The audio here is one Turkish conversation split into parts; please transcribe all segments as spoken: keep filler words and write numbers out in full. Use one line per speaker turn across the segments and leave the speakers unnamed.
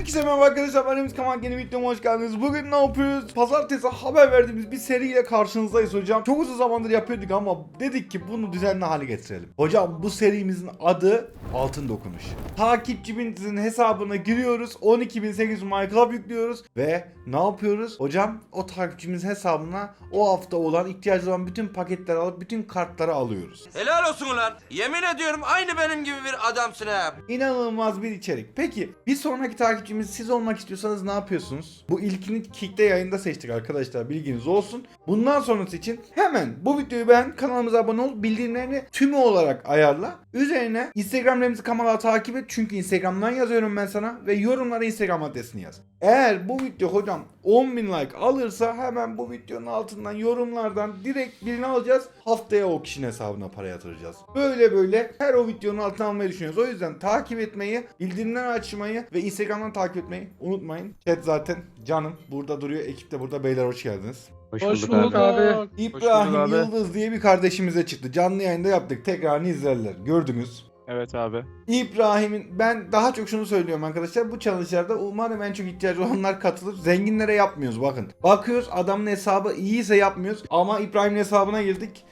Herkese merhaba arkadaşlar, ben Emz Kamal, yeni videoma hoş geldiniz. Bugün ne yapıyoruz? Pazartesi haber verdiğimiz bir seriyle karşınızdayız hocam. Çok uzun zamandır yapıyorduk ama dedik ki bunu düzenli hale getirelim. Hocam bu serimizin adı Altın Dokunuş. Takipçimizin hesabına giriyoruz, on iki bin sekiz yüz My Club yüklüyoruz ve ne yapıyoruz? Hocam o takipçimizin hesabına o hafta olan ihtiyacı olan bütün paketleri alıp bütün kartları alıyoruz.
Helal olsun ulan. Yemin ediyorum aynı benim gibi bir adamsın ha.
İnanılmaz bir içerik. Peki bir sonraki takipçimiz siz olmak istiyorsanız ne yapıyorsunuz? Bu ilkini Kick'te yayında seçtik arkadaşlar, bilginiz olsun. Bundan sonrası için hemen bu videoyu beğen, kanalımıza abone ol, bildirimlerini tümü olarak ayarla. Üzerine Instagram'larımızı Kamal'a takip et çünkü Instagram'dan yazıyorum ben sana ve yorumlara Instagram adresini yaz. Eğer bu video hocam on bin like alırsa hemen bu videonun altından yorumlardan direkt birini alacağız. Haftaya o kişinin hesabına para yatıracağız. Böyle böyle her o videonun altına almayı düşünüyoruz. O yüzden takip etmeyi, bildirimleri açmayı ve Instagram'dan takip etmeyi unutmayın. Chat zaten canım burada duruyor. Ekip de burada. Beyler hoş geldiniz.
Hoş,
Hoş
bulduk,
bulduk
abi.
abi.
İbrahim
abi.
Yıldız diye bir kardeşimize çıktı. Canlı yayında yaptık. Tekrarını izlerler. Gördünüz.
Evet abi.
İbrahim'in, ben daha çok şunu söylüyorum arkadaşlar, bu challenge'larda umarım en çok ihtiyacı olanlar katılır. Zenginlere yapmıyoruz bakın. Bakıyoruz adamın hesabı iyiyse yapmıyoruz ama İbrahim'in hesabına girdik.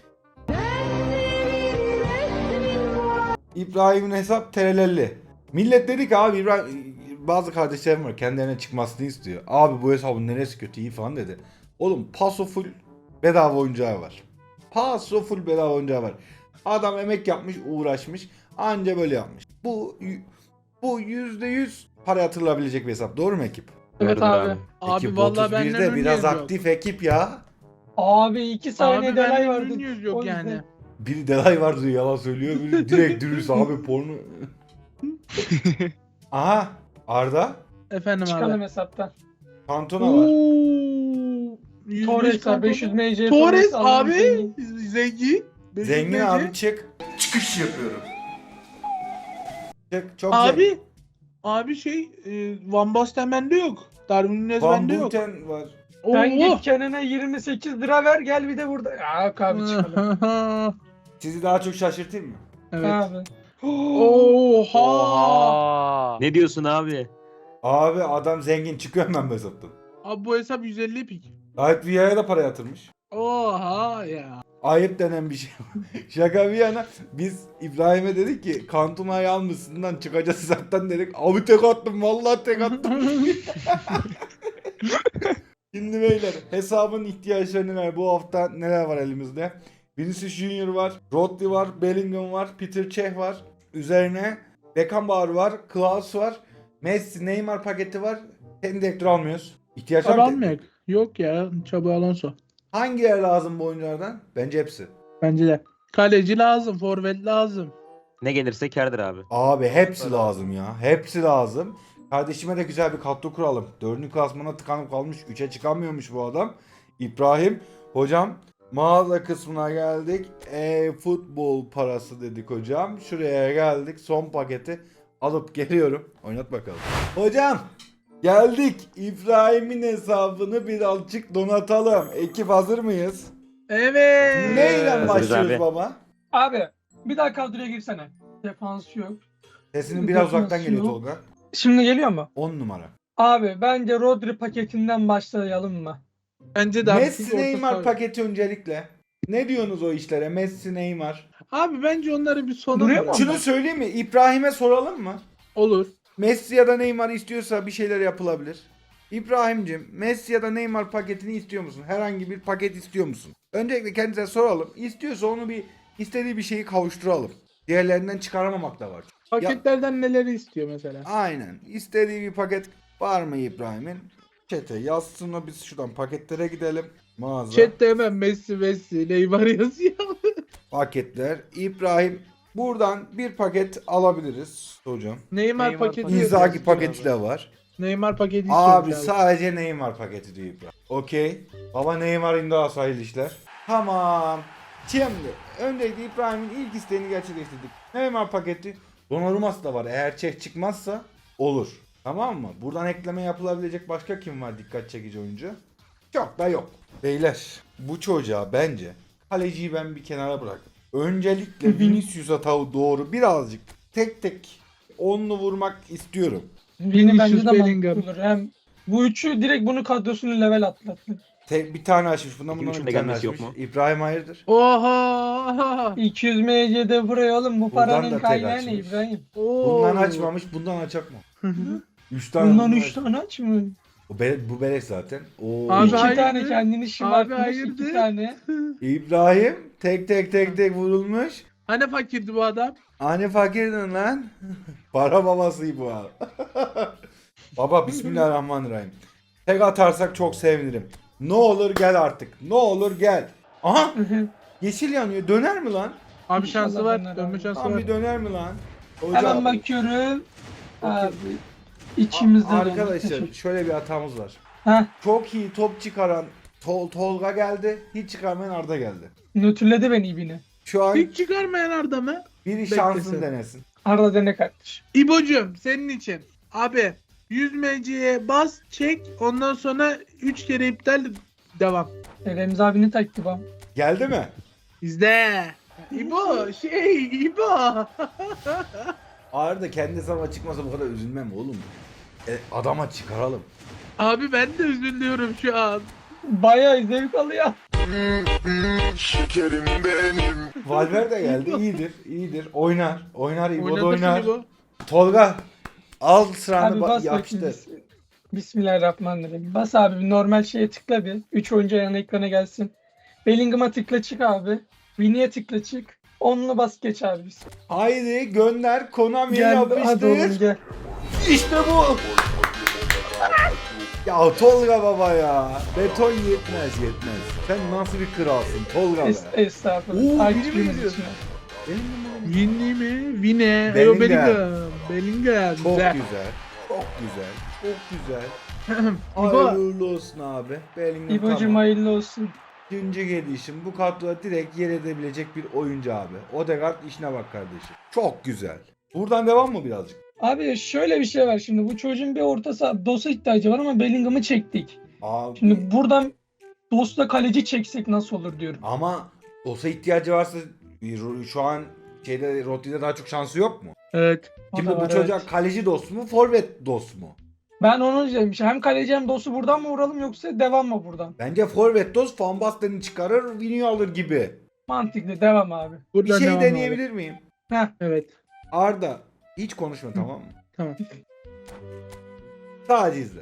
İbrahim'in hesap terelelli. Millet dedi ki abi İbrahim, bazı kardeşlerim var kendilerine çıkmasını istiyor. Abi bu hesabın neresi kötü iyi falan dedi. Oğlum paso full bedava oyuncağı var. Paso full bedava oyuncağı var. Adam emek yapmış, uğraşmış. Anca böyle yapmış. Bu bu yüzde yüz para yatırılabilecek bir hesap. Doğru mu ekip?
Evet
Doğrudur
abi.
abi.
Abi
Ekip
vallahi benden
otuz birde biraz
ünlüyüz yok.
aktif ekip ya.
Abi iki saniye
Abi
delay
benden
vardı.
ünlüyüz yok
O yüzden.
yani.
Biri delay var diyor, yalan söylüyor. Biri direkt dürüst abi porno. Aha Arda.
Efendim
Çıkalım
abi.
hesaptan.
Kantona var.
Ooo.
Torres var beş yüz M C.
Torres
Allah'ın
abi.
zengin.
Zengin. beş yüz
Zengin
M C.
abi çık. Çıkış yapıyorum. Çık çok zengin.
Abi. Abi şey e, Van Basten bende yok. Darwin Nunez
Van
bende yok.
Buten var.
Sen
Oo.
git kendine yirmi sekiz lira ver gel bir de burada. Ya yok abi çıkalım.
Sizi daha çok şaşırtayım mı?
Evet.
Abi.
Oha.
Ne diyorsun abi?
Abi adam zengin, çıkıyor hemen bu hesaptan.
Abi bu hesap yüz elli pik.
Gayet Viya'ya da para yatırmış.
Oha ya.
Ayıp denen bir şey. Şaka bir yana biz İbrahim'e dedik ki Kantuna'yı almışsından çıkacağız hesaptan dedik. Abi tek attım, vallahi tek attım. Şimdi beyler hesabın ihtiyaçları neler? Bu hafta neler var elimizde? Vinicius Junior var, Rodri var, Bellingham var, Peter Cech var. Üzerine Beckenbauer var, Klaus var, Messi, Neymar paketi var. Hem direktör almıyoruz. İhtiyaç var mı?
Almayak. Yok ya. Xabi Alonso.
Hangileri lazım bu oyunculardan? Bence hepsi.
Bence de. Kaleci lazım. Forvet lazım.
Ne gelirse kârdır abi.
Abi hepsi lazım ya. Hepsi lazım. Kardeşime de güzel bir kadro kuralım. Dördüncü klasmana tıkanıp kalmış. Üçe çıkamıyormuş bu adam. İbrahim. Hocam mağaza kısmına geldik. E futbol parası dedik hocam. Şuraya geldik. Son paketi alıp geliyorum. Oynat bakalım. Hocam geldik. İbrahim'in hesabını birazcık donatalım. Ekip hazır mıyız?
Evet.
Neyle
Hazırız
başlıyoruz
abi.
baba?
Abi bir daha kadroya girsene. Defans yok.
Sesinin biraz
Defans
uzaktan geliyor
yok.
Tolga.
Şimdi geliyor mu?
on numara.
Abi bence Rodri paketinden başlayalım mı?
Bence de abi,
Messi
çünkü orta
Neymar
saha-
paketi öncelikle. Ne diyorsunuz o işlere? Messi Neymar.
Abi bence onları bir sona
Duruyor mu?
bırak.
Şunu söyleyeyim mi? İbrahim'e soralım mı?
Olur.
Messi ya da Neymar istiyorsa bir şeyler yapılabilir. İbrahim'cim Messi ya da Neymar paketini istiyor musun? Herhangi bir paket istiyor musun? Öncelikle kendisine soralım. İstiyorsa onu bir istediği bir şeyi kavuşturalım. Diğerlerinden çıkaramamak da var.
Paketlerden neleri istiyor mesela?
Aynen. İstediği bir paket var mı İbrahim'in? Çete yazsın o, biz şuradan paketlere gidelim. Mağaza.
Chat'te hemen Messi Messi Neymar yazıyor.
Paketler. İbrahim buradan bir paket alabiliriz hocam.
Neymar,
Neymar
paketi.
paketi.
İnzaghi
istiyor
paketi
abi.
de var.
Neymar paketi
Abi
istiyor
sadece Neymar paketi diyor İbrahim. Okey. Baba Neymar imza sayılı işler. Tamam. Şimdi öncelikle İbrahim'in ilk isteğini gerçekleştirdik. Neymar paketi. Donnarumma da var. Eğer Çek çıkmazsa olur. Tamam mı? Buradan ekleme yapılabilecek başka kim var dikkat çekici oyuncu? Çok da yok. Beyler bu çocuğa bence kaleciyi ben bir kenara bırakıp öncelikle Vinicius'a tavu doğru birazcık tek tek onlu vurmak istiyorum.
Vini bence
Vinicius,
de
Bellingham.
mantıklı olur. Hem bu üçü direkt bunu kadrosunu level atlattı.
Tek bir tane açmış. Bundan bundan
Üçünün
bir
de
tane
gelmesi
açmış.
yok mu?
İbrahim hayırdır?
Oha.
iki yüz M C'de buraya oğlum bu
Buradan da
paranın
tek
kaynağı ne
açmış.
İbrahim?
Bundan açmamış. Bundan açacak mı? Üç tane.
Bundan
bundan
üç
aç-
tane aç mı?
Bu, be, bu beleş zaten. Oo.
Abi
İki
hayırdır?
tane kendini şımartmış,
hayırdır?
iki tane.
İbrahim tek tek tek tek vurulmuş.
Hani fakirdi bu adam?
Hani fakirdin lan? Para babası bu abi. Baba bismillahirrahmanirrahim. Tek atarsak çok sevinirim. Ne olur gel artık. Ne olur gel. Aha yeşil yanıyor. Döner mi lan?
Abi
İnşallah
şansı var.
döner
Dönme
abi.
şansı
Tam
var.
bir döner mi lan?
Hemen bakıyorum. Abi içimizde
A-
dolu.
Arkadaşlar
Teşekkür-
şöyle bir hatamız var.
Heh,
Çok iyi top çıkaran Tol Tolga geldi. Hiç çıkarmayan Arda geldi.
nötrledi beni ibine.
Şu an
Hiç çıkarmayan Arda mı?
biri
Beklesin.
şansını denesin.
Arda dene kardeş.
İbocuğum senin için. Abi yüz M C'ye bas, çek. Ondan sonra üç kere iptal, devam.
E, Remzi abinin taktiği bu.
Geldi mi?
İzle. İbo şey İbo.
Arda kendi hesabına çıkmasa bu kadar üzülmem oğlum. E, adama çıkaralım.
Abi ben de üzülüyorum şu an.
Bayağı zevk alıyor.
Şekerim benim.
Valverde geldi. iyidir. iyidir. Oynar. Oynar. İbo da
Oynatasın
oynar.
İbo.
Tolga al sıranı
Abi
ba-
bas bakayım.
yapıştır.
Bis- Bismillahirrahmanirrahim. Bas abi bir normal şeye tıkla bir. üç oyuncu yan ekrana gelsin. Bellingham'a tıkla çık abi. Vini'ye tıkla çık. Onunla bas geç abi. Biz.
Haydi gönder. Konami'ye
Gel hadi oğlum
yapıştır.
gel.
İşte bu. Ya Tolga baba ya. Beton yetmez yetmez. Sen nasıl bir kralsın Tolga be.
Es estağfurullah.
Oo, biri mi
Takipçimiz
geliyor?
için.
Winnie mi? Vine.
Bellingham.
Bellingham. Bellingham.
Çok
Güzel.
güzel. Çok güzel. Çok güzel.
İbo.
Hayırlı olsun abi. Bellingham
İbo'cum
tamam.
hayırlı olsun.
İkinci gelişim bu kadroda direkt yer edebilecek bir oyuncu abi. Odegaard işine bak kardeşim. Çok güzel. Buradan devam mı birazcık?
Abi şöyle bir şey var şimdi. Bu çocuğun bir orta saha dosa ihtiyacı var ama Bellingham'ı çektik.
Abi
Şimdi buradan dostla kaleci çeksek nasıl olur diyorum.
ama Dosa ihtiyacı varsa şu an şeyde Rodri'de daha çok şansı yok mu?
Evet.
O
Şimdi
da
bu
var,
çocuğa
evet.
kaleci dost mu, forvet dost mu?
Ben onu demiş. Hem kaleci hem dostu buradan mı vuralım yoksa devam mı buradan?
Bence forvet dost Van Basten'i çıkarır, Vinicius alır gibi.
Mantıklı devam abi.
Bir
Buradan
şey
devam
deneyebilir miyim?
Heh.
abi. Evet.
Arda hiç konuşma tamam mı?
Tamam.
Sadece izle.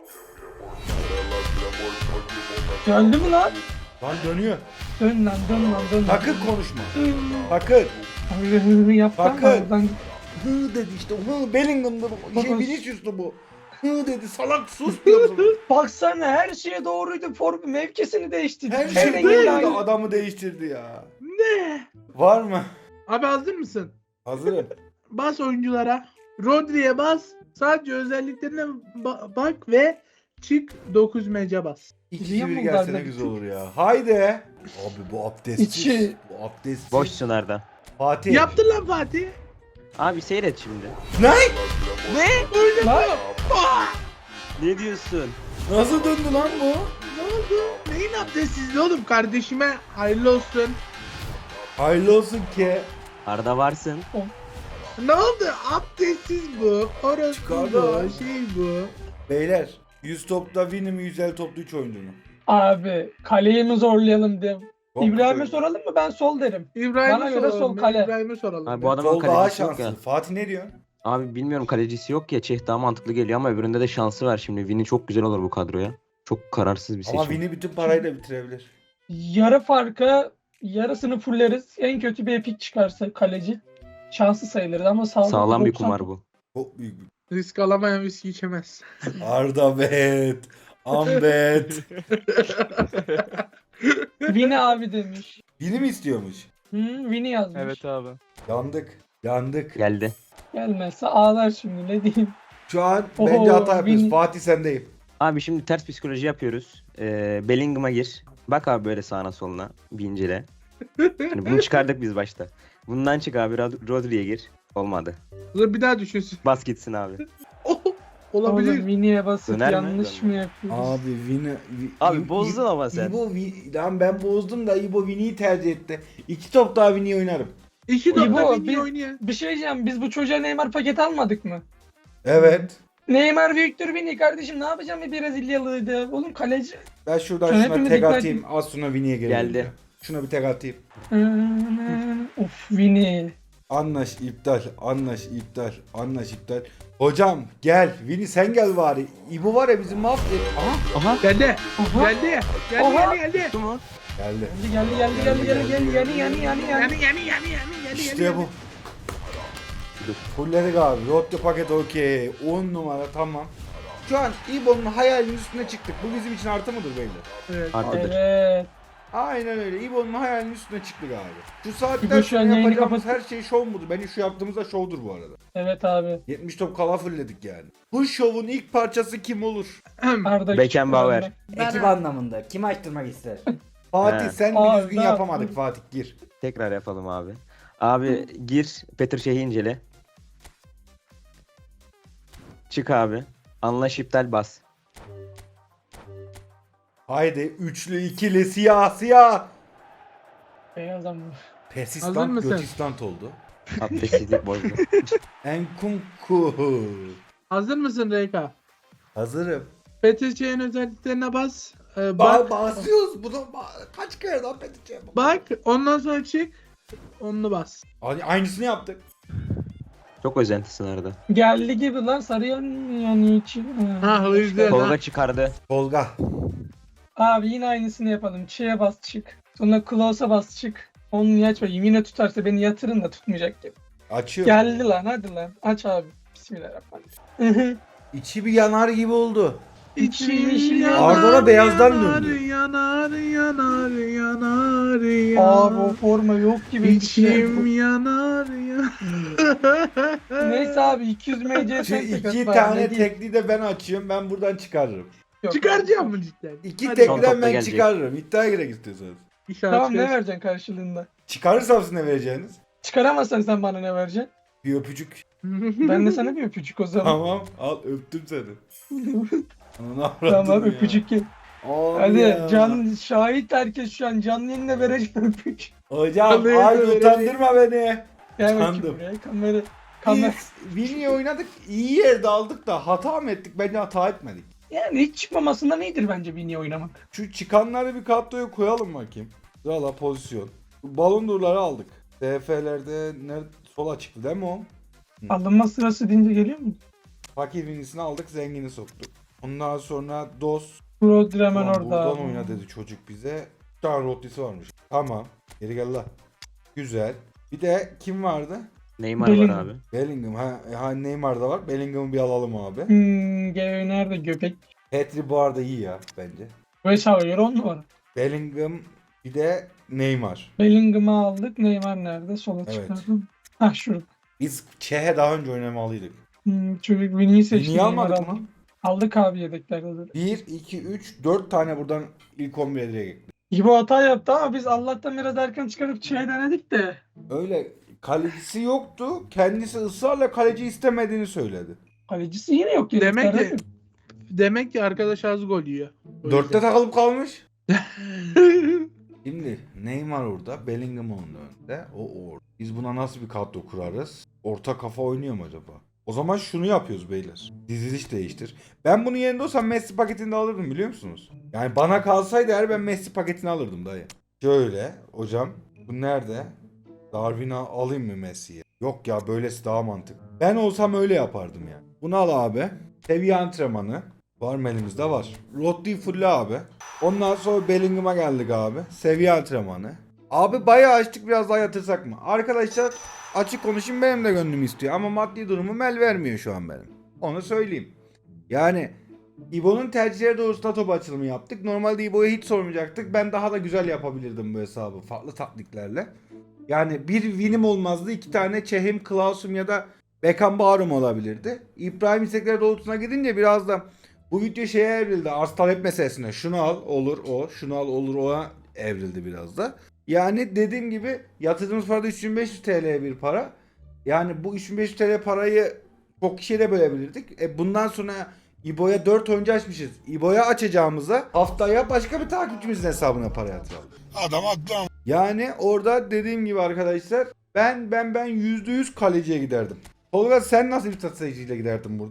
Geldi mi lan?
Lan dönüyor.
Dön lan dön lan dön lan.
Sakın konuşma. Sakın.
Yaptan
Bakın.
var oradan.
Hı dedi işte. Hı Bellingham'da bu. Şey
Baba.
Vinicius'tu bu. Hı dedi salak sus diyorum sana.
Baksana her şeye doğruydu. Form mevkisini değiştirdi.
Her
Her
şey
rengi
böyle
aynı.
adamı değiştirdi ya.
Ne?
Var mı?
Abi hazır mısın?
Hazırım.
Bas oyunculara. Rodri'ye bas. Sadece özelliklerine ba- bak ve çık dokuz mece bas.
İki
Biliyor
bir
musun
gelse ne
Arda?
güzel olur ya. Haydi. Abi bu abdestsiz.
İçi-
Bu abdestsiz.
Boşsun Arda.
Fatih.
Yaptın lan Fatih.
Abi seyret şimdi.
Ne?
Lan
Ne diyorsun?
Nasıl döndü lan bu?
Ne oldu? Neyin abdestsizliği oğlum? Kardeşime hayırlı olsun.
Hayırlı olsun ki.
Arda varsın.
Ne oldu? Abdestsiz bu. Orası
Çıkardı
bu.
abi.
Şey bu.
Beyler yüz topta Vini mi yüz elli topta üç oyuncu mu?
abi kaleyi mi zorlayalım diye.
Çok
İbrahim'e
güzel.
soralım mı? Ben sol derim.
İbrahim'e
Bana göre
soralım.
sol
ya,
kale.
İbrahim'e soralım.
Abi
ya.
bu adamın
Sol daha
kalecisi yok
şanslı.
ya.
Fatih ne diyor?
Abi bilmiyorum kalecisi yok ya. Çeh daha mantıklı geliyor ama öbüründe de şansı var şimdi. Vini çok güzel olur bu kadroya. Çok kararsız bir
Ama
seçim.
Vini bütün parayı da bitirebilir.
Yarı farka yarısını fulleriz. En kötü bir epik çıkarsa kaleci. Şanslı sayılır ama sağlam.
Sağlam bir
doksan
kumar bu.
Çok büyük bir.
Risk alamayan viski içemez.
Arda bet. Ambet.
Vini abi demiş.
Vini mi istiyormuş?
Hı, Vini yazmış.
abi.
Yandık. Yandık.
Geldi.
Gelmezse ağlar şimdi ne diyeyim.
Şu an
Oho,
bence hata yapıyoruz.
Vini.
Fatih sendeyim.
Abi şimdi ters psikoloji yapıyoruz. Ee, Bellingham'a gir. Bak abi böyle sağına soluna. Bir incele. Hani bunu çıkardık biz başta. Bundan çık abi Rod- Rodri'ye gir. Olmadı.
Dur bir daha düşünsün.
Bas gitsin abi.
Oh,
Oğlum
olabilir.
Vini'ye basıp
Döner mi?
yanlış mı yapıyoruz?
Abi Vini... Vi-
Abi
İ-
bozdun
İ-
ama sen.
İbo, Vi- lan ben bozdum da İbo Vini'yi tercih etti. İki top daha Vini'yi oynarım.
İki
İbo,
dakika
bir-
bir oynayan.
Bir şey diyeceğim. Biz bu çocuğa Neymar paket almadık mı?
Evet.
Neymar Victor Vini kardeşim ne yapacağım bir Brezilyalıydı. Oğlum kaleci.
Ben şuradan
Şöyle
şuna
hepimiz
tek
dikkat
atayım. Az sonra Vini'ye gelelim.
Geldi.
ya. Şuna bir tek atayım.
Of Vini.
Anlaş iptal. Anlaş iptal. Anlaş iptal. Hocam gel. Vini sen gel bari. İbo var ya bizim mahvet. Aha.
Aha.
Geldi.
Aha.
Geldi. Geldi
Oha.
geldi geldi.
Tuttu mu?
Geldi.
Geldi geldi geldi geldi geldi geldi yani yani yani yani.
Yani yani yani yani yani.
İşte bu. Fulledik abi. Rotte paket okey. on numara tamam. Şu an İbo'nun hayalinin üstüne çıktık. Bu bizim için artı mıdır beyler?
Evet.
Artıdır.
Evet.
Aynen öyle. İbo'nun hayalinin üstüne çıktık abi. Şu saatten
İbo şu an
sonra
yayını
yapacağımız
kapat-
her şey şov mudur? Bence şu yaptığımız da şovdur bu arada.
Evet abi.
yetmiş top kala fulledik yani. Bu şovun ilk parçası kim olur?
Arda
Beckenbauer.
Küçük
Ekip anlamında. Kim açtırmak ister?
Fatih
He.
sen
Abi,
bir düzgün
ne
yapamadık
yaptın?
Fatih gir.
Tekrar yapalım abi. Abi gir Petr Şeyh'i incele. Çık abi. Anlaş iptal bas.
Haydi üçlü ikili siyah siyah.
Beyaz ama.
Hazır
Persistant
mısın?
götistant oldu.
Abdestsizlik bozdu.
Enkunku.
Hazır mısın Reyka?
Hazırım.
Petrçe'nin özelliklerine bas. Ee,
Bak
bak.
basıyoruz bunu ba- kaç kere daha Petrçe'ye bak.
Bak. Ondan sonra çık. Onunu bas.
Hani aynısını yaptık.
Çok özentisin arada.
Geldi gibi lan sarı yan yani için.
Ha, o yüzden.
Tolga çıkardı.
Tolga.
Abi yine aynısını yapalım. Çiğe bas çık. Sonra Klaus'a bas çık. Onu niye açma? Yine tutarsa beni yatırın da tutmayacak gibi.
Açıyor.
Geldi lan hadi lan. Aç abi. Bismillahirrahmanirrahim.
İçi bir yanar gibi oldu.
İçim
yeşil
yanar,
Arda da beyazdan
yanar,
döndü.
Yanar yanar yanar
Abi o
yanar.
forma yok gibi. bir şey.
İçim yanar yanar.
Neyse abi iki yüz M C
Şu
sen tek
iki
at
tane
bari, ne diyeyim?
tekli de ben açıyorum. Ben buradan çıkarırım.
Yok.
Çıkaracağım mı cidden?
İki
Hadi.
Son
tekliden
topla
ben
gelecek.
çıkarırım. İddiaya girek istiyorsanız.
İnşallah
Tamam ne
çıkarırsın.
vereceksin karşılığında?
Çıkarırsam siz ne vereceğiniz?
Çıkaramazsan sen bana ne vereceksin?
Bir öpücük.
Ben de sana bir öpücük o zaman.
Tamam al öptüm seni. Ananı avradım
Tamam
ya.
öpücük gel.
Abi
Hadi
ya.
can şahit herkes şu an canlı yayında vereceğim öpücük.
Hocam
Vallahi
ay
öyle
utandırma beni.
Gel
Utandım.
bakayım buraya kamera. Kamera.
Biz Vini'yi oynadık. İyi yerde aldık da hata mı ettik? Bence hata etmedik.
Yani hiç çıkmamasından iyidir bence Vini oynamak.
Şu çıkanları bir kadroya koyalım bakayım. Valla pozisyon. Balon durları aldık. D F'lerde nerede sola çıktı değil mi o?
Alınma sırası deyince geliyor mu?
Fakir Vini'sini aldık, zengini soktuk. Ondan sonra Dos.
Rodri hemen
Ulan
orada.
buradan oyna dedi çocuk bize. Bir tane Rodri'si varmış. Tamam. Geri gel la. Güzel. Bir de kim vardı?
Neymar var
Bellingham.
abi.
Bellingham. Ha, ha Neymar da var. Bellingham'ı bir alalım abi.
Hmm, Geo nerede göbek?
Petri bu arada iyi ya bence.
Beş havayır on numara.
Bellingham bir de Neymar.
Bellingham'ı aldık. Neymar nerede? Sola
Evet.
çıkardım. Hah şurada.
Biz Çeh'e daha önce oynamalıydık.
Hmm, çocuk Vini'yi seçti.
Niye
Neymar
almadık
aldı.
mı?
Aldık abi yedeklerde de.
bir, iki, üç, dört tane buradan ilk on bire direkt ekledik.
İbo hata yaptı ama biz Allah'tan biraz erken çıkarıp Çiğ'e denedik de.
Öyle kalecisi yoktu. Kendisi ısrarla kaleci istemediğini söyledi.
Kalecisi yine yok.
Demek
yedeklerde.
ki demek ki arkadaş az gol yiyor. O
Dörtte
yüzden.
takılıp kalmış. Şimdi Neymar orada, Bellingham onun önünde, o orada. Biz buna nasıl bir kadro kurarız? Orta kafa oynuyor mu acaba? O zaman şunu yapıyoruz beyler. Diziliş değiştir. Ben bunun yerinde olsam Messi paketini de alırdım biliyor musunuz? Yani bana kalsaydı eğer ben Messi paketini alırdım dayı. Şöyle hocam bu nerede? Darwin'i alayım mı Messi'ye? Yok ya böylesi daha mantıklı. Ben olsam öyle yapardım yani. Bunu al abi. Seviye antrenmanı. Var mı elimizde var. Rodri fulle abi. Ondan sonra Bellingham'a geldik abi. Seviye antrenmanı. Abi bayağı açtık biraz daha yatırsak mı? Arkadaşlar açık konuşayım benim de gönlüm istiyor. Ama maddi durumum el vermiyor şu an benim. Onu söyleyeyim. Yani İbo'nun tercihleri doğrultusunda top açılımı yaptık. Normalde İbo'ya hiç sormayacaktık. Ben daha da güzel yapabilirdim bu hesabı. Farklı taktiklerle. Yani bir winim olmazdı. iki tane Çehim, Klaus'um ya da Beckenbauer'um olabilirdi. İbrahim istekleri doğrultusuna gidince biraz da bu video şeye evrildi. Arz talep meselesine. Şunu al olur o. Şunu al olur o evrildi biraz da. Yani dediğim gibi yatırdığımız parada üç bin beş yüz T L'ye bir para. Yani bu üç bin beş yüz T L parayı çok kişiye de bölebilirdik. E bundan sonra İbo'ya dört oyuncu açmışız. İbo'ya açacağımıza haftaya başka bir takipçimizin hesabına para yatıralım.
Adam atlam.
Yani orada dediğim gibi arkadaşlar ben ben ben yüzde yüz kaleciye giderdim. Tolga sen nasıl bir stratejiyle giderdin burada?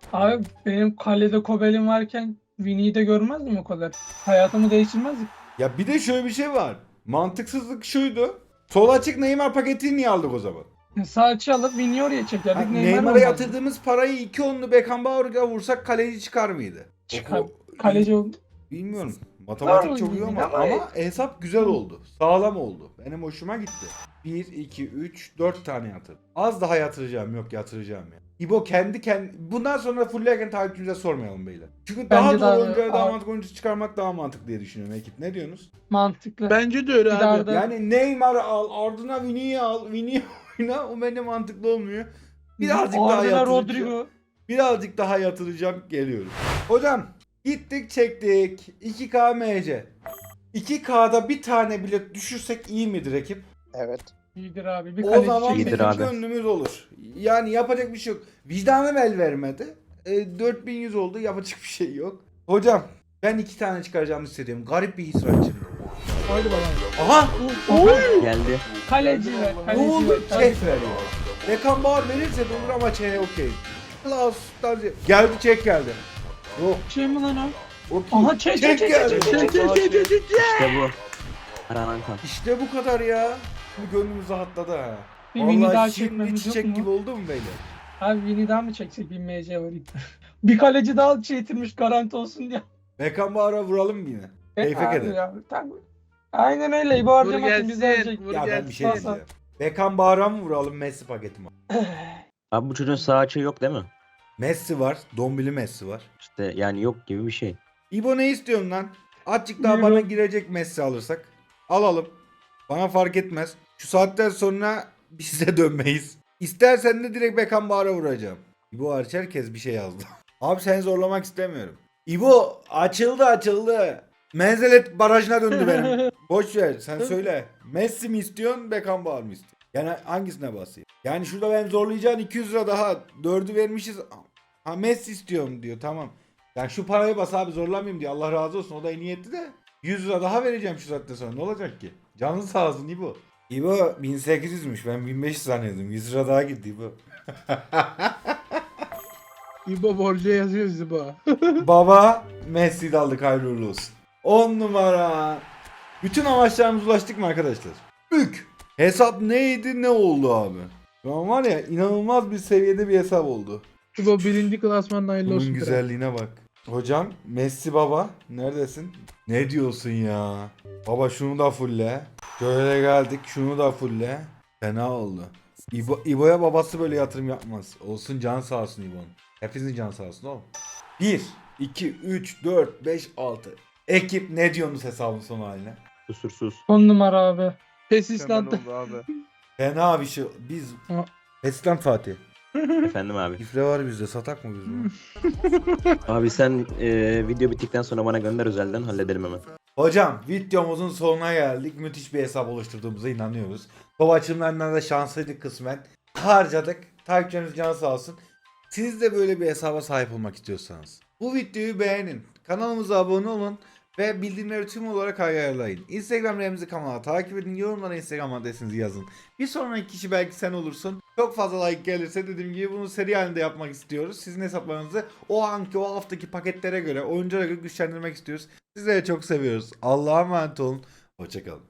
Abi benim kalede Kobel'im varken Vini'yi de görmezdim o kadar. Hayatımı değiştirmezdik.
Ya bir de şöyle bir şey var. Mantıksızlık şuydu. Sol açık Neymar paketini niye aldık o zaman?
Sağ açı alıp Vini'yi oraya
Ha,
çekerdik. Neymar
Neymar'a
olmazdı.
yatırdığımız parayı iki onlu Beckenbauer'a vursak kaleci çıkar mıydı?
Çıkar.
O-
Kaleci oldu.
Bilmiyorum. Matematik
Var
çok iyi ama,
ama-
ama hesap güzel oldu. Sağlam oldu. Benim hoşuma gitti. bir, iki, üç, dört tane yatırdım. Az daha yatıracağım. Yok yatıracağım ya. İbo kendi kendi... Bundan sonra fulllerken takipçimize sormayalım beyler. Çünkü daha
Bence
doğru
daha-
oyunculara daha
Aa.
mantıklı oyuncu çıkarmak daha mantıklı diye düşünüyorum ekip. Ne diyorsunuz?
Mantıklı.
Bence de öyle
Bir
abi.
daha da-
Yani Neymar al, ardına Vini'yi al, Vini'yi oyna. O bence mantıklı olmuyor. Birazcık daha
Arda'da
yatıracağım.
Rodrigo.
Birazcık daha yatıracağım. Geliyorum. Hocam gittik çektik. iki K M C. iki K'da bir tane bile düşürsek iyi midir ekip?
Evet.
İyidir abi. Bir
O
kaleci
zaman
çek.
İyidir
bizim
abi.
gönlümüz olur. Yani yapacak bir şey yok. Vicdanım el vermedi. E, dört bin yüz oldu. Yapacak bir şey yok. Hocam ben iki tane çıkaracağımı hissediyorum. Garip bir his var içimde.
Haydi bakalım.
Aha!
Geldi.
Kaleci ver.
Ne
Kaleci
olur
ver.
çek ver ya. Beckenbauer verirse de olur ama çek okey. Klaus'tan geldi çek geldi. Yok
Şey mi lan o?
okey.
Aha çek çek çek
geldi.
çek çek çek.
Çek çek çek çek.
İşte bu. Aranan kan.
İşte bu kadar ya. Şimdi gönlümüz rahatladı ha.
Bir Vini daha
Vallahi şimdi
çekmemiz yok
çiçek
mu?
gibi oldu mu beyler?
Abi Vini daha mı çeksek bir M C var. Bir kaleci daha çektirmiş garanti olsun diye.
Beckenbauer'a vuralım mı yine? Keyfe
Abi
keder.
ya, tamam. Aynen öyle. Bu
Vur
harcamasın biz
gelsin.
verecek.
Vur
Ya ben
gelsin.
bir şey
Sağ-
diyeceğim. Beckenbauer'a mı vuralım Messi paketi mi?
Abi bu çocuğun sağ açığı yok değil mi?
Messi var. Dombili Messi var.
İşte yani yok gibi bir şey.
İbo ne istiyorsun lan? Azıcık daha
Buyurun.
bana girecek Messi alırsak. Alalım. Bana fark etmez. Şu saatten sonra biz de dönmeyiz. İstersen de direkt Beckenbauer'a vuracağım. İbo hariç herkes bir şey yazdı. Abi seni zorlamak istemiyorum. İbo açıldı açıldı. Menzelet barajına döndü benim. Boş ver sen söyle. Messi mi istiyorsun Beckenbauer mı istiyorsun? Yani hangisine basayım? Yani şurada ben zorlayacağın iki yüz lira daha. Dördü vermişiz. Ha Messi istiyorum diyor tamam. Yani şu parayı bas abi zorlamayayım diyor. Allah razı olsun o da iyi niyetli de. yüz lira daha vereceğim şu saatten sonra ne olacak ki? Canın sağ olsun İbo. İbo bin sekiz yüzmüş ben bin beş yüz zannediyordum. yüz lira daha gitti İbo.
İbo borca yazıyoruz İbo.
Baba Messi'yi de aldık hayırlı uğurlu olsun. on numara. Bütün amaçlarımıza ulaştık mı arkadaşlar? Bük. Hesap neydi ne oldu abi? Şu an var ya inanılmaz bir seviyede bir hesap oldu.
İbo birinci klasmanın hayırlı
Bunun
olsun. kral.
güzelliğine bak. Hocam Messi baba neredesin? Ne diyorsun ya? Baba şunu da fulle. Şöyle geldik şunu da fulle. Fena oldu. İbo, İbo'ya babası böyle yatırım yapmaz. Olsun can sağ olsun İbo'nun. Hepinizin can sağ olsun oğlum. bir, iki, üç, dört, beş, altı. Ekip ne diyorsunuz hesabın son haline?
Kusursuz.
On numara abi.
Pes İsland'da.
Fena bir şey. Biz...
Ha.
Eslan Fatih.
Efendim abi.
Şifre var bizde satak mı biz bunu?
Abi sen e, video bittikten sonra bana gönder özelden halledelim hemen.
Hocam videomuzun sonuna geldik. Müthiş bir hesap oluşturduğumuza inanıyoruz. Baba açımlarından da şanslıydık kısmen. Harcadık. Takipçilerimiz canı sağ olsun. Siz de böyle bir hesaba sahip olmak istiyorsanız bu videoyu beğenin. Kanalımıza abone olun. Ve bildirimleri tüm olarak ayarlayın. Instagram Remzi kanala takip edin. Yorumlara Instagram adresinizi yazın. Bir sonraki kişi belki sen olursun. Çok fazla like gelirse dediğim gibi bunu seri halinde yapmak istiyoruz. Sizin hesaplarınızı o anki o haftaki paketlere göre oyunculara göre güçlendirmek istiyoruz. Sizleri çok seviyoruz. Allah'a emanet olun. Hoşçakalın.